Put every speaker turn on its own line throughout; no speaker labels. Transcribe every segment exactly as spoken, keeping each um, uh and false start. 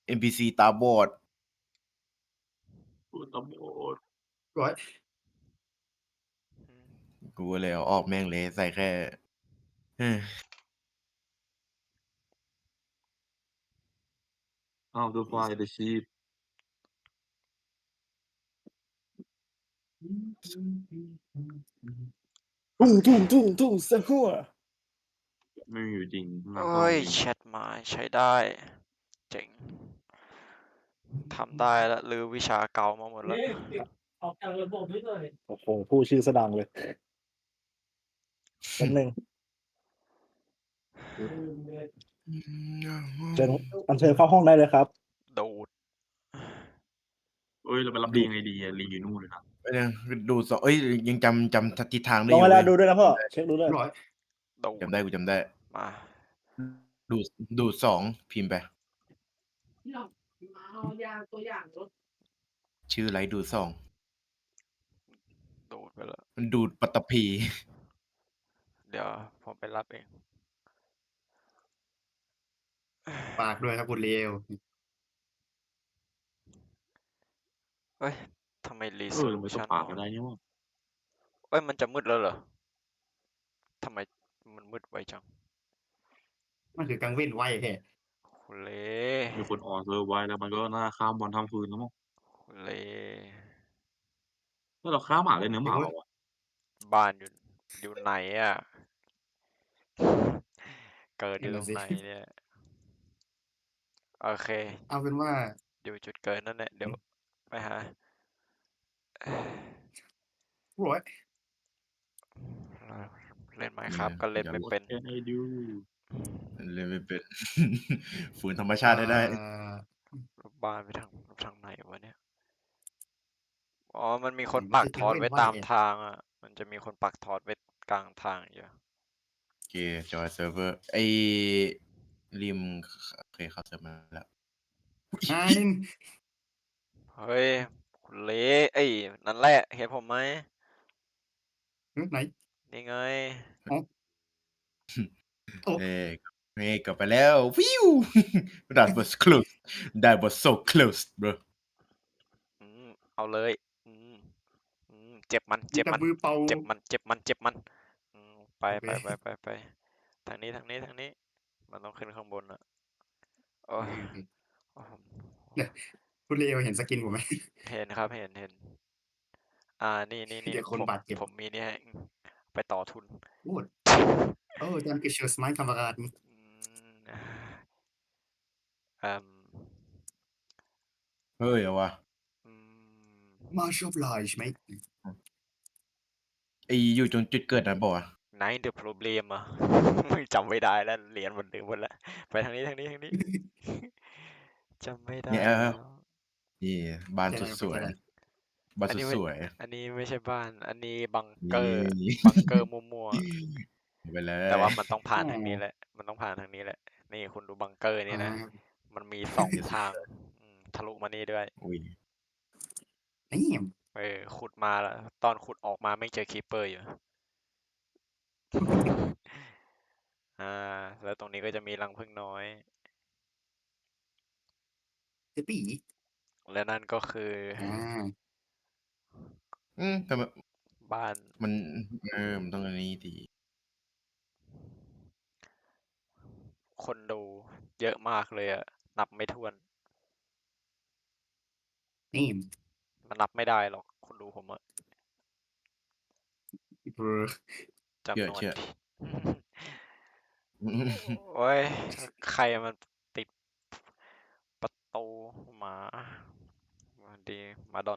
เอ็น พี ซี ตาบอด
พูดตาบอด
ร้อย
อืม กูก็เลยเอาออกแม่งเลย ใส่แค่ เออ
How to fly the sheep
ทุ่ง ๆ ๆ ๆ ซะฮั่ว
ไม่มีอยู่จริง
โ
นา
อ๊
กล้อง
ย
จริง
แชตมาใช้ได้ เจ๋ง ทำได้แล้ว รื้อวิชาเก่ามาหมดแล้ว
เอ๊ะ ปิด ออกจากระบบให้หน่อย
โอ้โฮ พูดชื่อเสียงดังเลย แป๊บหนึ่ง
ลืมเลย
อืม
เชิญ อัญเชิญเข้าห้องได้เลยครับ
ดูด
เฮ้ย เราไปรับลียังไงดีอะ ลีอยู่นู่นเลยนะ
เดี๋ยวนะ ดูด ส เฮ้ย ยังจำ จำ ท ทิศทางได้
ล
อยู่
เว
เว
ลา
้ย
ดูด้วยนะพ่อ
จำได้
เช็กดูด้วย
ร้อย
ดู
จำได้ กูจำได้
มา
อืม ดูด ดูด สอง พิมพ์ไป
พี่หน่อง มาเอายาตัวอย่างรถ
ชื่อไร ดูด สอง
ดูดไปแล้ว
มันดูดปัตตภี
เดี๋ยวผมไปรับเอง
ฝากด้วยครับคุณเลว
เฮ้ย ทำไม
เออ เราไม่ต้อง
resolution
ฝาก
น้
ก็
อย
ได้นี่หว่า
เฮ้ย มันจะมืดแล้วเหรอ? ทำไมมันมืดไวจัง?
มันคือกลางเว้นไว้แท้
โอ้เล
มีคนออกเซิร์ฟไว้ แล้วมันก็น่าข้ามวันข้ามคืนแล้วมั้ง
โอ้เล
เฮ้ย เราฆ่าหมาได้เนื้อหมาเปล่าวะ?
บ้านอยู่ อยู่ไหนอะ? เกิดอ
นั
ยู่
่น
ต
น่ะ
รง
สิ
ไหนเนี่ย? โอเค
เอาเป็นว่า
อยู่จุดเกิดนั่นแหละ เดี๋ยวไปหา
ร้อย
เออ เล่น
เนี่
Minecraft
ย
ก็เล่น
อย่า
ไม่
What
เป็น
can I do?
เล่นไม่เป็น ฝืนธรรมชา
อ่
ติให้ได้
า
ลบบ้านไปทาง ทางไหนวะเนี่ย? อ๋อ มันมีคน
มัน
ปัก
คือก
ท
ลางเว้
ไว้
นไว้
ตาม
ไง
ทางอะ มันจะมีคนปักทอ ไว้กลางทางอยู่
โอเค จอยเซิร์ฟเวอร์ ไอ้ ริม ข โอเค เข้าเซิร์ฟมาแล้ว
อา นิน
เฮ้ย คุณเละ เอ๊ย นั่นแหละ เห็นผมไหม?
หือ ไหน?
นี่ไง
อ๋อ โอ้
เฮ้ เฮ้ กลับไปแล้ว That was close That was so close bro
อืม เอาเลย อืม อืม เจ็บมัน เจ็บ
จับ
มัน
มือเป่า
เจ็บมัน เจ็บมัน เจ็บมัน อืม ไป
โอเค
ไป ๆ ๆ ๆ ทางนี้ ทางนี้ ทางนี้ มันต้องขึ้นข้างบนอะ โอ๊
โอย เค
โอ้
ๆ เนี่ย คุณเลวเห็นสกินผมไหม?
เห็นครับ เห็น ๆ อ่า นี่
เดี๋ยว
ๆ
คน
ๆ ผม
บาดเจ็บ
ผมมีนี่ให้ อืม ไปต่อทุน
Gut. Oh, danke schön, mein Kameraden.
อืม เอ่อ
เฮ้ย เอาว่ะ
อืม
Much obliged mate
อืม ไอ้ อยู่ตรงจุดเกิดนั้นเปล่าวะ?
Nein the problem อะ จำไม่ได้แล้ว เหรียญหมด ลืมหมดแล้ว ไปทางนี้ ทางนี้ ทางนี้ จำไม่ได้
เนี่ย เออ
แล้ว
ๆ นี่ บ้าน
ใช่
สุดสวย
ใช่
บ้าน
อัน
สุ
นี้
ด
ไม่
สวย
อันนี้ไม่ใช่บ้าน อันนี้บังเก
นี
อร์
่
บังเกอร์มั่ว ๆ
ไปเล
แต่ว่
ย
ามันต้องผ่าน
อ๋อ
ทางนี้แหละ มันต้องผ่านทางนี้แหละ นี่คุณดูบังเกอร์นี่
อา
นะ มันมี สอง ทาง อืม ทะลุมานี่ด้วย
อุ๊ย
Damn
เออ ขุดมาแล้ว ตอนขุดออกมาแม่งเจอ Creeper อยู่ อา แล้วตรงนี้ก็จะมีรังผึ้งน้อย
Yippee
และนั่นก็คือ
อา
อืม ทำไม
บ้าน
มัน เออ มันต้องอันนี้สิ
คนดูเยอะมากเลยอะ นับไม่ถ้วน
Damn
มันนับไม่ได้หรอก คนดูผมอะ
Bro
จำนวน
เชื่อ
ที่
ๆ
โอ๊ย ใครมันติด ประตูหมา สวัสดี หมาดอน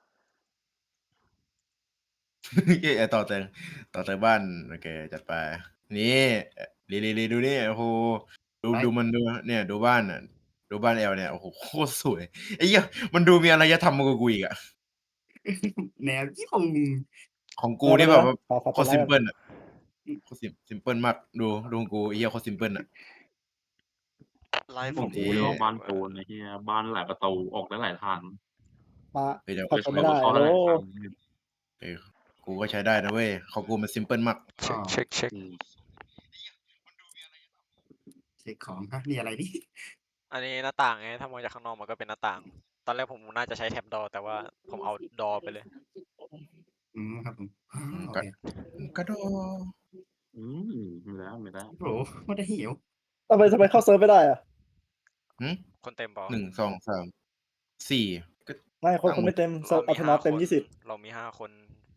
เอ๊ะ ต่อเติม ต่อเติมบ้าน โอเค จัดไป นี่ ลี ลี ๆ ดูนี่ โอ้โฮ ดู
ไป
ดูมัน ดู เนี่ย ดูบ้านน่ะ ดูบ้านแอลเนี่ย โอ้โฮ โคตรสวย ไอ้เหี้ย มันดูมีอารยธรรมมากกว่ากูอีกอะ
แนวญี่ปุ่น
ของกูนี่แบบว่า
ขอ ขอ
โค
ขอ
ตร
ไล
ซิ
ก์
ม
ก่อน
เพิลอะ
อืม
โคตร ซิม ซิมเพิลมาก ดู ดูของกู ไอ้เหี้ย โคตรซิมเพิลอะ
ไลฟ์
ข
ผ
อง
ม
กูเรียกว่าบ้านโจรไอ้เหี้ย บ้านหลายประตู ออกได้หลายทาง
มา
เฮ้ย เดี๋ยว
เข้า
จะ
เข้าไม่ได้
เข้า
ฮัล
ได้
โหล
หลายทาง
เออ กูก็ใช้ได้นะเว้ย ของกูมันซิมเพิลมาก
เช็ก
อ้อ
เช็ก เช็ก
อืม
เช็กของ ฮะ นี่อะไรนี่?
อันนี้หน้าต่างไงถ้ามองจากข้างนอกมันก็เป็นหน้าต่าง ตอนแรกผมน่าจะใช้แท็บดอแต่ว่าผมเอาดอไปเลย
อืมครับผม
อืม
โอ
ก็
เค
กระโดด
อืมไม่ได้ไม่ได้
โหไม่ได้หิว
ทำไมทำไมเข้าเซิร์ฟไม่ได้อ่ะ
หึ
คนเต็มเปล่า
หนึ่งสองสามสี่ก็
ไม่คน
ตั้ง
คน
หม
ไม่
ด
เต็มเซิ
เรา
ร์ฟอั
มี
ธน
ห้า
อตเต็ม
คน
ยี่สิบ
เรามีห้าคน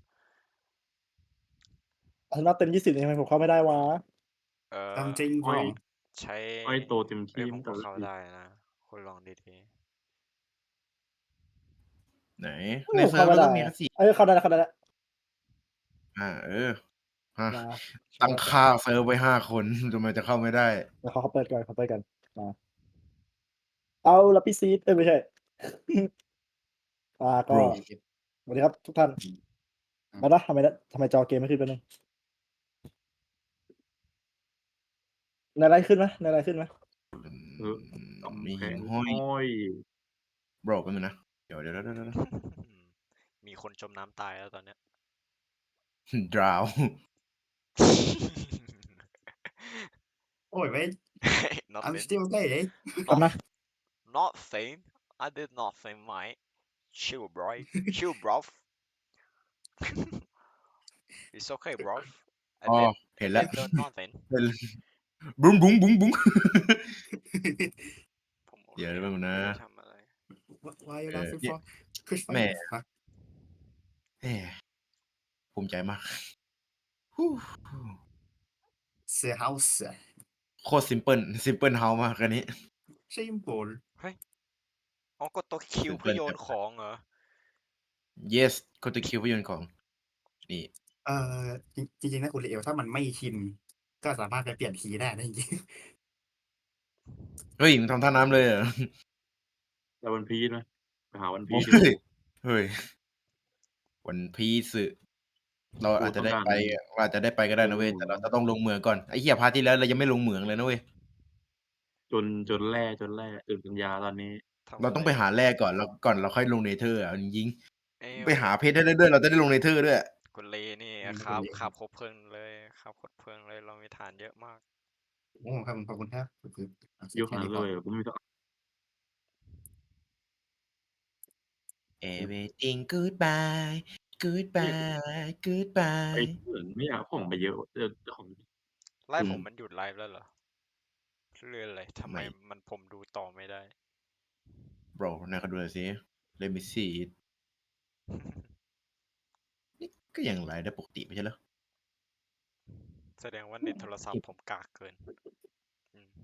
อัธนอตเต็มยี่สิบทำไมผมเข้าไม่ได้วะ
เออ
ตามจริง
อ้อย
ของ
ใช้
อ้อยโตเต็ม
เอ้ย
ที่
ผม
ตั้ง
ก็
แต่
เข้า
แรก
ได้นะคุณลองดี
ไหน
เอ
ใน
อ
เซิ
เข้า
ร์ฟ
ไม่
มัน
ได้
ก็มี
อะ
แค่สี่
เออเข้าได้แล้วเข้าได้แล้ว
อาเออฮะ
มา
ตั้ง
เปิดก่อน
ค่าเซิร์ฟไว้ห้าคน ทำไมจะเข้าไม่ได้
เดี๋ยวเขาเขาเปิดก่อนเขาเปิดก่อนมาเอาล่ะพี่ซีดเอ้ยไม่ใช่ อ่าก็
Bro
สวัสดีครับทุกท่าน
อืม
มานะทำไมนะทำไมจอเกมไม่ขึ้นแป๊บนึงในไลน์ขึ้นไหมในไลน์ขึ้นไหม
เออ
อืม
กำ
มี
แพ
หิ่
ง
งห้อย
อ้อย
Bro แป๊บนึงนะ เดี๋ยว เดี๋ยว เดี๋ยว เดี๋ยว เดี๋ยว
ๆ มีคนจมน้ำตายแล้วตอนเนี้ย
Drown
โอ้ยเว้ย I'm
nothing
still there
กลับ
not
นะ
nothing I did nothing mate chill bro chill bro it's okay bro I
อ๋อ
did
เห็
I
นแล้ว
did done nothing
เห็น บุ้งบุ้งบุ้งบุ้ง
ผมโอ
เดี๋ยว
เค
แป๊บนึงนะ
ไม่ได้ทำอะไร
Why you
เออ
laughing
เนี่ย
for Push
แหม่
fire
แหมภูมิใจมาก ฮู้
เสือ house
โคตรซิมเพิล ซิมเพิลเฮาส์มากอันนี้
simple
อ๋อกดตัวคิว
ถึง
เพื่อ
เกิน
โย
ไป
นของเหรอ
yes กดตัว Q เพื่อโยนของ นี่
เอ่อ จริง จริง ๆ นะคุณ Leo ถ้ามันไม่ชิน ก็สามารถไปเปลี่ยนคีย์ได้นะจริง
เฮ้ย มึงทำท่าน้ำเลยเหรอ?
ไป One Piece ไหม ไปหา One
โอ้
Piece ดีก
เฮ้ย
ว่า
เฮ้ย One Piece เรา
กู
อาจจะ
ต้อง
ได้
การ
ไป เราอาจจะได้ไปก็ได้นะเว้ย แต่เราจะต้องลงเหมืองก่อน ไอ้เหี้ย พาร์ตที่แล้วเรายังไม่ลงเหมืองเลยนะเว้ย
จน จนแร่ จนแร่ตื่นปัญญาตอนนี้
ทำ
เรา
อะ
ต้อ
ไรง
ไปหาแร่ก่อน แล้ว ก่อนเราค่อยลง Nether อะ เอาจริง
เอ้ย
ๆ ไปหาเพชรได้ด้วย เราจะได้ลง Nether ด้วย
คุณเลนี่
อืม
คราฟ
คุณเล
คราฟครบเพลิงเลย คราฟครบเพลิงเลย เรามีถ่านเยอะมาก
โอ้ ครับผม ขอบคุณครับ ก็คือ โอเค
ยก
แค่
หา
นี้
เล
พอ
ย กูไม่มี
everything goodbye
เฮ้ย
goodbye
ไอ้
goodbye
เหมือนไม่อยากเอาของไปเยอะ เออ ของ
ไลฟ์
อื
ผม
ม
มันหยุดไลฟ์แล้วเหรอ? เลื่อนอะไร ทำไม
ไม่
มัน ผมดูต่อไม่ได้
Bro ไหนขอดูหน่อยสิ Let me see it นี่ก็ยังไลฟ์ได้ปกติไม่ใช่เหรอ?
แสดงว่าเน็ตโทรศัพท์ผมกากเกิน อืม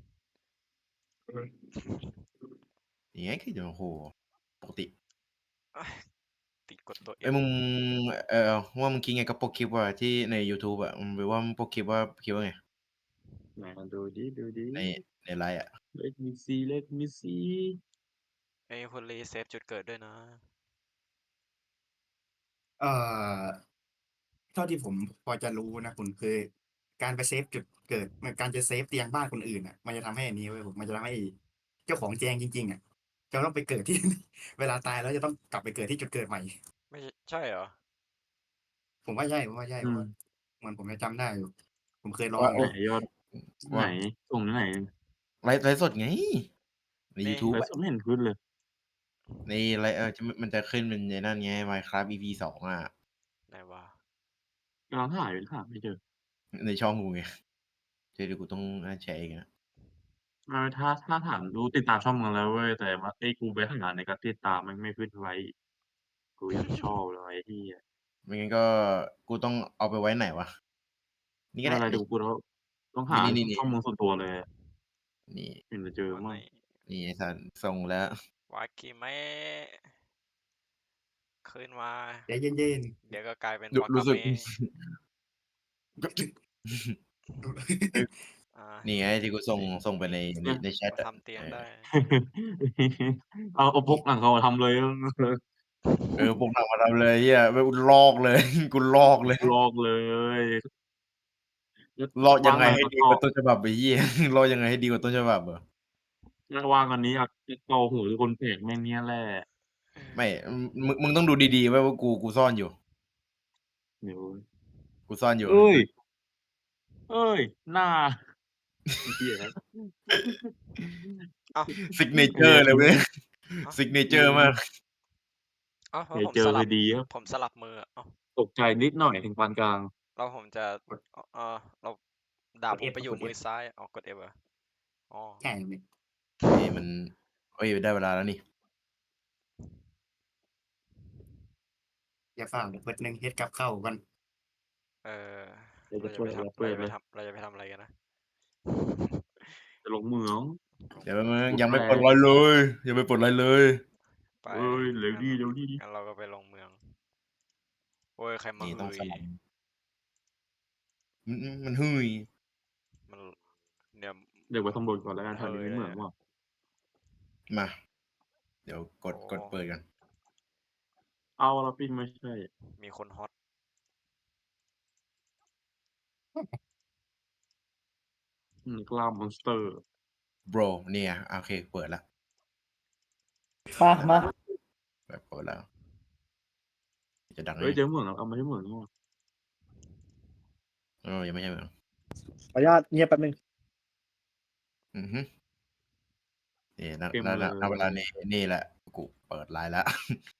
อย่างงี้คือจะ โอ้โฮ ปกติ
ติดกดตัว
เฮ้ย
F
มึง เอ่อ ว่ามึงคิดไงกับปกคลิปว่า ที่ในยูทูบอะ มึงไปว่าปกคลิปว่า คิดว่าไง?
ไหนลองดูดิ ดูดิ
ใน ในไลฟ์อะ
Let me see Let me see
เฮ้ย คุณเลเซฟจุดเกิดด้วยนะ
เอ่อ เท่าที่ผมพอจะรู้นะคุณ คือการไปเซฟจุดเกิด มัน การจะเซฟเตียงบ้านคนอื่นน่ะ มันจะทำให้อันนี้เว้ย มันจะทำให้เจ้าของแจงจริง ๆ อะ จะต้องไปเกิด ที่ เวลาตายแล้วจะต้องกลับไปเกิดที่จุดเกิดใหม่
ไม่ ใช่เหรอ?
ผมว่าใช่ ผมว่าใช่
อื
เพราะว่าม เหมือนผมจะจำได้อยู่ ผมเคยลอ
ว่า
ง
โอ้
ไหนยอด
ว
ไ
่า
หน ส่งที่ไหน?
ไลฟ์ ไลฟ์สดไง ใน
นี่
ยูทูบ
ไล
อ
ฟ์สดไม่เห็นขึ้นเลย
ในไลฟ์ เออ จะ มันจะขึ้นเป็นไอ้นั่นไง Minecraft อี พี สอง อะ
ไหนวะ?
กำลังหาอยู่ หาไม่เจอ
ในช่องกูไง เดี๋ยว เดี๋ยวกูต้อง อา แชร์อีกนะ
ไม่ ถ้า ถ้าถามดูติดตามช่องมึงแล้วเว้ย แต่ว่าไอ้กูไปหาในการติดตามแม่งไม่ขึ้นไลฟ์ กูยังชอบเลยไอ้เหี้ย
ไม่งั้นก็กูต้องเอาไปไว้ไหนวะ? นี่ก็
ไม่
ได้
เป็นไร
นี
เดี๋ย่วกูต้อง ต้องหา
นี่ ๆ ๆ
ช่องมึงส่วนตัวเลยอะ
นี่
ถึงจะเจอ
วัน
มั่
ไหน
ง
นี่ไอ้สัตว์ ส่งแล้ว
วากิเมะ ขึ้นมา
ใจเย็น ๆ
เดี๋ยวก็กลายเป็น
รู้
วาก
รู้
า
สึก
เมะ
เฮ้ย
อา
นี่ไงที่กูส่ง ส่งไปใน ใน ในแชต
มา
อะ
ทำเตียง
เอ
ได้
อ
เอา เอาพกหลังคามาทำเลย
เออ พกหนังมาทำเลยไอ้เหี้ย แบบกูลอกเลย กูลอกเลย
ลอกเลย
ลอกยังไง
วางหลัง
ให้
ประ
ดี
กอบ
กว่าต้นฉบับไอ้เหี้ย ลอกยังไงให้ดีกว่าต้นฉบับเหรอ?
ถ้าวางอันนี้อะ จะเกาหูคนแปลกแม่งเนี่ยแหละ
ไม่ อืม มึง มึงต้องดูดี ๆ เว้ยว่ากู กูซ่อนอยู่
เดี๋ยว
กูซ่อนอยู่
เฮ้ย เฮ้ย หน้า ไอ้เหี้ย
อ้อ้าว
ซิกเนเจอร์เลยเว้ย
อ้าว
ซิกเนเจอร์มาก
อ้าวแล้ว
เดี๋ยว
ผม
เจอ
ส
พ
ลั
อบ ดีครับ
ผมสลับมืออะอ้าว
ตกใจนิดหน่อยถึงปานกลาง
แล้วผมจะ อ เอ่อ แล้วดาบ
กด
ผม
F
ไปอยู่
กด
มือ
F
ซ้าย อ๋อ กด F เหรอ? อ๋อ
ใช่พี่
นี่มัน เฮ้ย ได้เวลาแล้วนี่
อย่าฟ้าวเดี๋ยวเบิดหนึ่งเฮ็ดกับข้าวก่อน
เออ
เดี๋ยว
เรา
จะ
จะ
ช่วย
ไปทำ
จะช่
เรา
วย
จะ
ไห
ไป
ม?
ทำ เราจะไปทำอะไรกันนะ?
จะลงเหมือง
เดี๋ยวแป๊บนึง
ขุด
ยังไม่
แร่
ปลดอะไรเลย ยังไม่ปลดอะไรเลย
ไป
เฮ้ย เร็ว
งั้น
ดิ เร็วดิ
งั้นเราก็ไปลงเมือง โอ๊ย ใครมา
นี่
ฮื
ต้องส
ย
ลับ อือ ๆ มันฮืย
มัน เดี๋ยว
เดี๋ยวไปสำรวจก่อนแล้วกัน แถ
เฮ
วย นี้มี
เล
เหมื
ย
อง
อะ
เปล่า?
มา เดี๋ยวกด
โอ้
กดเปิดก่อน
อ้าว แล้วพี่ไม่ใช่
มีคนฮอต
อืม กล้ามมอนสเตอร์
Bro เนี่ย โอเค เปิดแล้ว
มา มา
แบบ เปิดแล้ว จะดังไหม
เฮ้ย
นี่?
เจอเหมืองแล้ว อ้าว ไม่ใช่เหมืองนี่หว่า
เออ ยังไม่ใช่เหมือง
ขออนุญาตเงียบแป๊บหนึ่ง
อือฮึ นี่ ณ
เต็ม
ณ
เล
ณ ณ เวลานี้
ย
นี่แหละ กูเปิดไลน์แล้ว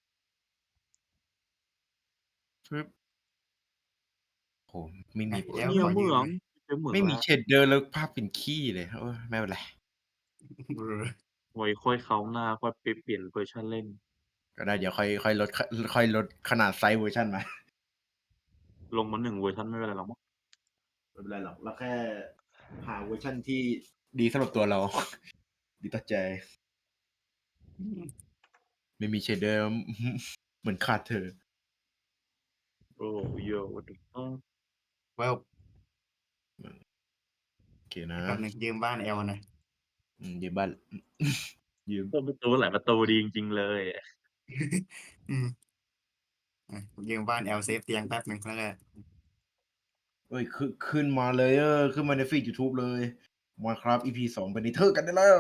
ฟึบ โอ้โฮ ไม่
ม
มี
เดี๋ยว
เนี่ย
ขอ
เหมื
ยืม
อง
หน่อย
เจอเหมือ
ไม่
ง
มี
แล้ว
shader แล้วภาพเป็นขี้เลย โอ๊ย ไม่เป็นไร
เออ
ไว้ค่อยคราวหน้า ค่อยไปเปลี่ยนเวอร์ชันเล่น
ก็ได้ เดี๋ยวค่อย ค่อยลด ค ค่อยลดขนาดไซซ์เวอร์ชันมา
ลงมา หนึ่ง เวอร์ชันไม่เป็นไรหรอกมั้ง
ไม่เป็นไรหรอก เราแค่หาเวอร์ชันที่ดีสำหรับตัวเรา ดีต่อใจ
อืม
ไม่มี shader เหมือนขาดเธอ
โอ้ Yo what the fuck
ว้าว
อืม โอเคนะ
แป๊บหนึ่งยืมบ้านแอลหน่อย
อืม ยืมบ้าน ยืม
เปิดประตูหลายประตูดีจริง ๆ เลยอะ
อืม อะ ยืมบ้านแอลเซฟเตียงแป๊บหนึ่ง แล้วก็
เฮ้ย ขึ้น ขึ้นมาเลยเด้อ ขึ้นมาในฟีดยูทูบเลย Minecraft อี พี สอง ไป Nether กันได้แล้ว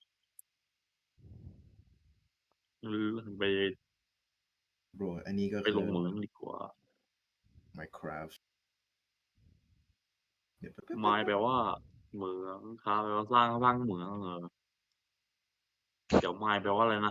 หรือไป
Bro อันนี้ก็
ไป
คื
ล
อ
งเหมืองดีกว่า
Minecraft เดี๋ยว แป๊บ
Mine แปล
ๆ ๆ
ว่าเหมือง Craft แปลว่าสร้าง สร้างเหมืองเหรอ? เดี๋ยว Mine แปลว่าอะไรนะ?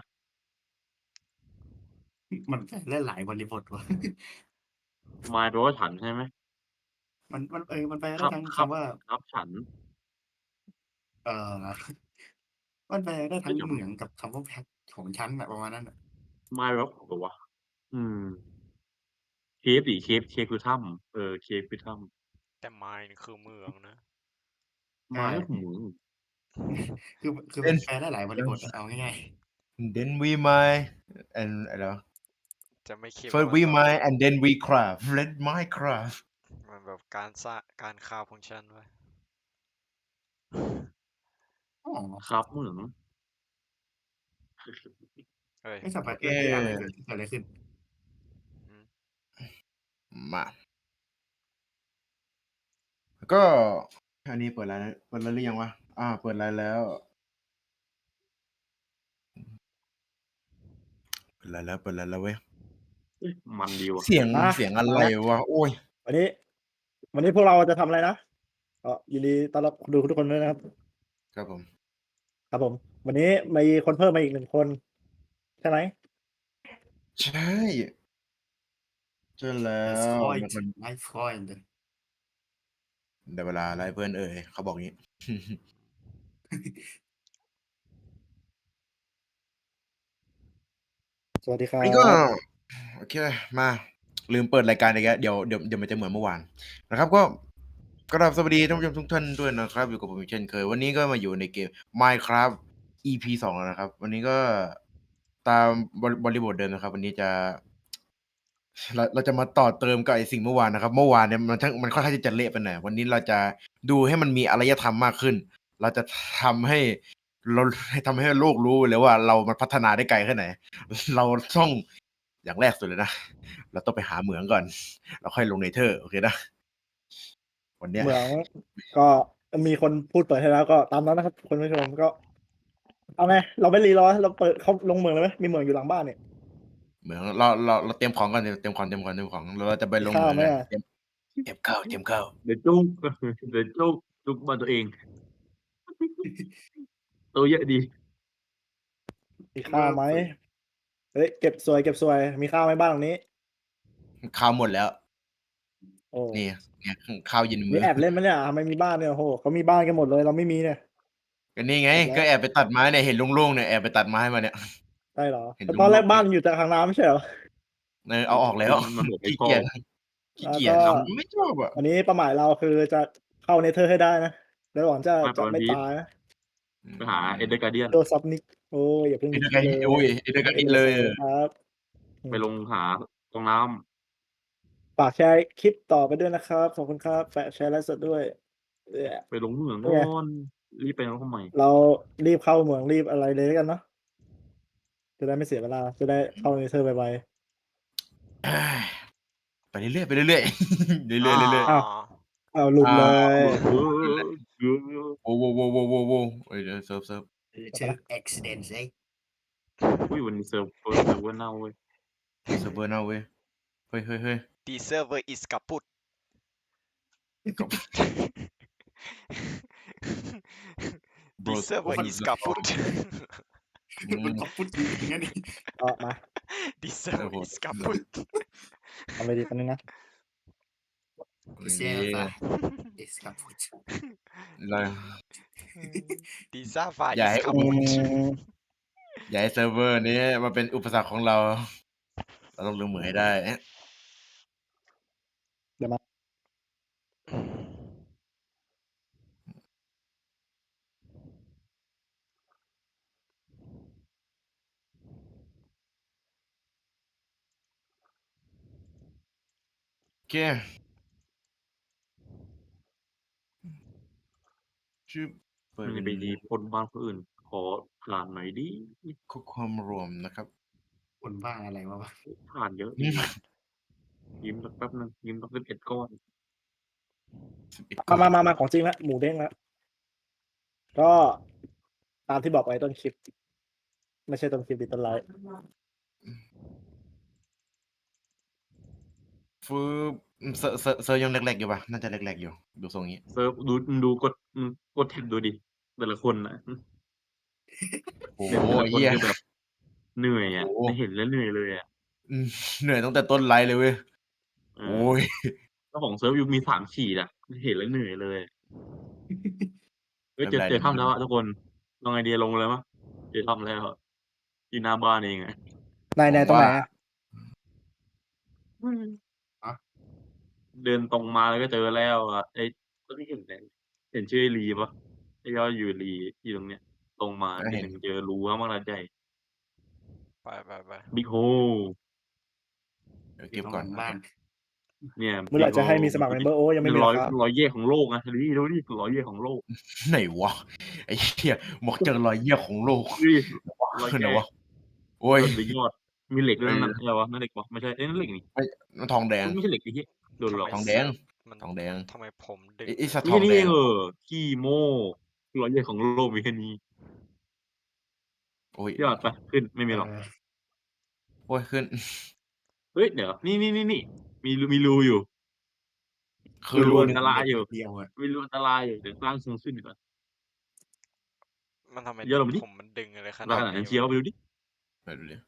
อือ มันแฝงได้หลายบริบทว่ะ
Mine แปลว่าฉันใช่ไหม?
มัน มัน เออ มันแปล
ค
ได้
ครับ
ทั้ง
ค
คำว่า
ครับฉัน
เอ่อ มันแปลได้
เฮ
ท้ั้
ย
ง
เดี๋ยว
เหมืองกับคำว่า แพท ของฉันน่ะ ประมาณนั้นน่ะ
Mine แปลว่าของเหรอวะ? อืม Cave สิ Cave Cave คือถ้ำ เออ Cave คือถ้ำ
แต่ Mine นี่คือเมืองนะ
ใช่
Mine ก็คือเหมือง
คือ คือ
เป็น
แปลได้หลายบริบทอะ เอาง่าย ๆ
Then we mine and อะไรวะ?
จะไม่คิดว่า
First
มัน
we
แบบ
mine and then we craft Let Minecraft
มันแบบการสร้าง การคราฟของฉันเว้ย
อ๋อ
ครับเหมือง
เฮ้ย
เฮ้ย สัป
โอเค
เมื่อกี้อะไรเกิด เกิดอะไรขึ้น?
อืม
มา ก็ อันนี้เปิดไลน์แล้ว เปิดไลน์หรือยังวะ? อา เปิดไลน์แล้ว เปิดไลน์แล้ว เปิดไลน์แล้วเว้ย
เฮ้ย มันดีว่ะ
เสียง
มา
เสียงอะ
มา
ไร
แล้ว
วะ? โอ๊ย
วันนี้ วันนี้พวกเราจะทำอะไรนะ? ก็ยินดีต้อนรับคนดูทุกคนด้วยนะครับ
ครับผม
ครับผม วันนี้มีคนเพิ่มมาอีก หนึ่ง คน ใช่ไหม?
ใช่ ใช่แล้
That's
ว
point
มัน มัน
my point
ได้เวลาไล่เพื่อนเอ่ย เขาบอกงี้
สวัสดีครั
วันนี้ก็
บ
โอเค มา ลืมเปิดรายการอีกแล้ว เดี๋ยว เดี๋ยว เดี๋ยวมันจะเหมือนเมื่อวานนะครับ ก็ กราบสวัสดีท่านผู้ชมทุกท่านด้วยนะครับ อยู่กับผมอีกเช่นเคย วันนี้ก็มาอยู่ในเกม Minecraft อี พี สอง แล้วนะครับ วันนี้ก็ตามบริ บริบทเดิมนะครับ วันนี้จะ เรา เราจะมาต่อเติมกับไอ้สิ่งเมื่อวานนะครับ เมื่อวานเนี่ยมันทั้ง มันค่อนข้างที่จะเละไปหน่อย วันนี้เราจะดูให้มันมีอารยธรรมมากขึ้น เราจะทำให้ เรา ทำให้โลกรู้เลยว่าเรามันพัฒนาได้ไกลแค่ไหน เราต้อง อย่างแรกสุดเลยนะ เราต้องไปหาเหมืองก่อน แล้วค่อยลง Nether โอเคนะ วันเนี้ย
เหมือง ก็มีคนพูดเปิดให้แล้ว ก็ตามนั้นนะครับคุณผู้ชม ก็ เอาไง เราไม่รีรอ เราเปิด เข้า ลงเหมืองเลยไหม? มีเหมืองอยู่หลังบ้านนี่
เหมือง เรา เรา เราเตรียมของก่อน เตรียมของ เตรียมของ เตรียมของ แล้วเราจะไป
มี
ลง
ข้า
เห
ว
มือง
ไหม
กัน
อะ?
เตรียม เตรียมข้าว เตรียมข้าว
เดี๋ยวจุ๊ก เดี๋ยวจุ๊ก จุ๊กบ้านตัวเอง ตัวเยอะดี
มีข้าวไหมเฮ้ยเก็บสวยเก็บสวยมีข้าวไหมบ้านหลังนี้
ข้าวหมดแล้ว
โอ้
นี่เนี่ยข้าวเย็นมื้
นี่
อ
แอบเล่นไหมเนี่ยทำไมมีบ้านเนี่ยโอ้โหเขามีบ้านกันหมดเลยเราไม่มีเนี่ย
ก็นี่ไง
แอบแล้ว
ก็แอบไปตัดไม้เนี่ยเห็นโล่งๆเนี่ยแอบไปตัดไม้มาเนี่ย
ใช่เหรอ
เห็น
แต่ตอนแรก
ลุงๆ
บ้านมันอยู่แต่ทางน้ำไม่ใช่เหรอ
เออเอาออกแล้ว
มันบอกไม่
ขี้
ชอ
เกียจ
บ
ขี้เกียจ
แล้วก็
เราไม่ชอบอ่ะ
อันนี้เป้าหมายเราคือจะเข้าเนเธอร์ให้ได้นะแล้วหวังจะ
ไม่
จะ
วัน
ไม่
พีช
ตายนะ
ไปหาเอ็นเดอร์การเดียน
โดซับนิกโอ้ยอย่าเพิ่ง
เอเดอร์
คิ
กา
ดเลย
โอ้ยเอเดอร์กาดิเลย
ครับ
ไปลงหาตรงน้
ฝากแชร์คลิปต่อไปด้วยนะครับขอบคุณครับแฝกแชร์ไลฟ์สดด้วยเอ้ย
ำไปลงเหมือง
เป็นไง
นอนรีบไปแล้วทำไม
เรารีบเข้าเมืองรีบอะไรเลยแล้วกันเนาะจะได้ไม่เสียเวลาจะได้เข้าเนเธอร์ไว
ไปเรื่อยๆไปเรื่อยๆ เรื่อยๆเรื่อย
อ้าว ๆเอาหลุดเลย
เออเออ
ๆโอ้โหโว้โว้โว้โว้เอ้ยเดี๋ยวเซิร์ฟเซิร์ฟ
เชิง accident ไอ้
อุ้ยวันนี้เซิร์ฟเวอร์เซิร์ฟเวอร์เน่าเว้ย
เซิร์ฟเวอร์เน่าเว้ยเฮ้ยเฮ้ยเฮ้ย
The server is kaput
ก็
The
Bro
server
what
is
the
kaput
อื
มัน
ม
ขอบพูดจริงๆนะนี่
ก็มา
The server
Server
is kaput
ทำไปดีกันนึงนะ
เสียซะ is ขอบพูด
เรา
The server
อย่า
is
ให้
อื
kaput
ม
อย่าให้เซิร์ฟเวอร์นี้มาเป็นอุปสรรคของเรา เราต้องลืมเหมือนให้ได้
เดี๋ยวมา
โอเคชื่อเปิ
มั
ด
นจะไปดีคนบ้านคนอื่น ขอผ่านหน่อยดิ
ข้อความรวมนะครับ
คนบ้าอะไรวะวะ
ผ่านเยอะ
อืม
ยิ้มสักแป๊บนึงยิ้มสักสิบเอ็ดก้อน
สิบเอ็ด
มามามามาของจริงละหมูเด้งละก็ตามที่บอกไว้ต้นคลิป ไม่ใช่ต้นคลิปดิต้นไลฟ์
ฟืบเซอร์เซอร์เซอร์ยังแรกๆอยู่ปะน่าจะแรกๆอยู่ดูทรงนี้
เซิร์ฟดูดูกดอืมกดแท็บดูดิแต่ละคนนะ
โอ้
เนี่ย
โห
แต่ละคน
เหี้ย
คือแบบเหนื่อยอ่ะ
โอ้โห
ได้เห็นแล้วเหนื่อยเลยอ่ะ
อืมเหนื่อยตั้งแต่ต้นไลฟ์เลยเว้ย
เอ
โอ้
อย เจ้าของเซิร์ฟยูมีสามขีดอ่ะเห็นแล้วเหนื่อยเลยเฮ้ยเจอ
ไม่เป็นไร
เจอถ้ำ
เดี๋
แล้
ยว ว
อ่ะทุกคนลองไอเดียลงเลยมั้ยเจอถ้ำแล้วอยู่หน้าบ้านเองอ่ะ
นายนายตรงไหนอะ
เดินตรงมาแล้วก็เจอแล้วอ่ะไอ้ก็ที่เห็นเนี่ยเห็นชื่อไอ้ลีปะไอ้ยอดอยู่ลีอยู่ตรงเนี้ย ตรงมา
ก็
ที
เห็น
หนึ่งเจอรูข้างล่างใหญ่
ไปไปไป
บิ๊กโฮ
เดี๋ยวเก็บก่อน
บ้าน
เนี่ย
เมื่อไหร่จะให้มีสมัครเมมเบอร์โอ้ยัง
ห
ไม่
นึ่
มี
ง
หร
ร้
อ
อย
ครับ
ร้อยเย่ของโลกนะดูดิดูดิร้อยเย่ของโลก
ไหนวะไอ้เหี้ยบอกเจอรอยเยี่ยของโลก
ดูดิร้อย
คือไหน
แย่
วะโอ้ย
ยอดไปยอด มีเหล็กด้วย
เออ
นั่นอะไรวะนั่นเหล็กวะไม่ใช่เอ้ยนั่นเหล็กนี่
มันทองแดง
ไม่ใช่เหล็กไอ้เหี้ยโดนหลอก
ทองแดง
มัน
ทองแดง
ทำไมผมดึง
ไอ้ไอ้สัตว์ท
นี่
อง
นี่
แดง
เออขี้โม่ร้อยเย่ของโลกมีแค่นี้
โอ้ย
ยอดไปขึ้นไม่มีหรอก
เออ
โอ้ยขึ้น
เฮ้ยเดี๋ยวนี่นี่นี่นี่มีรูมีรูอยู่
คือ
รู
รู้
อันตรายอยู่
เดียวอะ
มีรูอันตรายอยู่เดี๋ยวสร้างสูงขึ้นดีกว่า
มันทำไม
เยอะลงไปดิ
ผมมันดึงอะไรข
ข
นาด
นาดนั้
นี้
นเชียวไปดูดิ
ไปดูดิ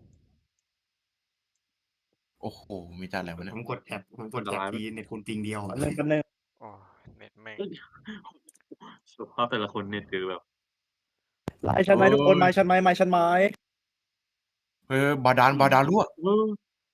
โอ้โหมีจานอะไรวะเนี่ย
ผมกดแท็บผมกดแท็บทีเน็ตคุณปิงเดียวอะ
อันนึงกันนึง
โอ้เน็ตแม่ง
สภาพแต่ละคนเนี่ยคือแบบ
ไลฟ์ชันไหมทุกคนไม้ชันไหมไม้ชันไหม
เฮ้ยบาดาลบาดาลรั่ว
เออ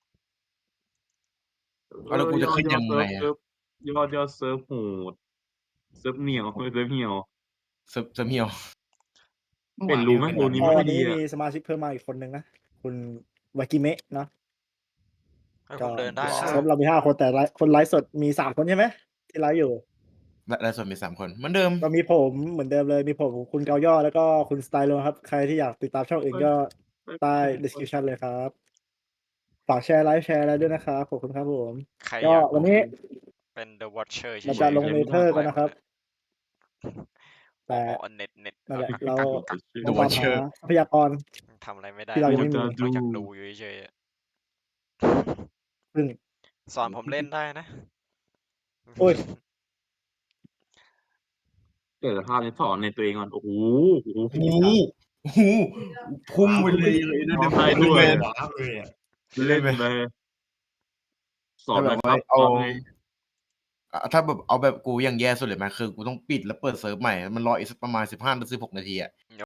เอาแล้วกูจะขึ้นยังไงอะ
เซิร์ฟยอดยอดเซิร์ฟโหดเซิร์ฟเหนียวเซิร์ฟเหี่ยว
เซิร์ฟเซิร์ฟเหี่ยว
เป็นรูไหมรูนี้
ต
ไม่
อ
ค่อน ยดี
นี้
อะ
มีสมาชิกเพิ่มมาอีกคนนึงนะคุณวากิเมะเนาะ
ให้ผมเดินได้นะ
เซิร์ฟเรามีห้าคนแต่ไลฟ์คนไลฟ์สดมีสามคนใช่ไหมที่ไลฟ์อยู่
และและส่วนมีสามคนเหมือนเดิม
ก็มีผมเหมือนเดิมเลยมีผมคุณเกาย่อแล้วก็คุณสไตล์โลครับ ใครที่อยากติดตามช่องอื่นก็ใต้ description เลยครับ ฝากแชร์ไลฟ์แชร์อะไรด้วยนะครับขอบคุณครับผม
ใคร
ก็
อยาก
วันนี้
เป็น The Watcher
เราจะลงเนเธอร์กันนะครับ แต่
อ๋อเน็ตเน็ต
นั่นแหละเรา
The
ต้องตาม
Watcher
หาทรัพยากร
ทำอะไรไม่ได้
ที่เรายังไม่มี
นอกจากดูอยู่เฉยๆอะ
ซึ่ง
สอนผมเล่นได้นะ
โอ้ย
เกิดภาพนี้สอนในตัวเองก่อนโอ้โหโอ้โห
โอ้โหโอ้โหพุ่งไปเลยเลย
อ๋
เดี๋
อ
ยว
ใช่ด้วย
ว้าวเลยอะ
เล่นเลยสอน
ถ้า
ห
แบ
น่อย
บ
ค
ว่า
รับ
เอา
สอนไง
อ่าถ้าแบบเอาแบบกูอย่างแย่สุดเลยไหมคือกูต้องปิดแล้วเปิดเซิร์ฟใหม่มันรออีกสักประมาณสิบห้าถึงสิบหกนาทีอะ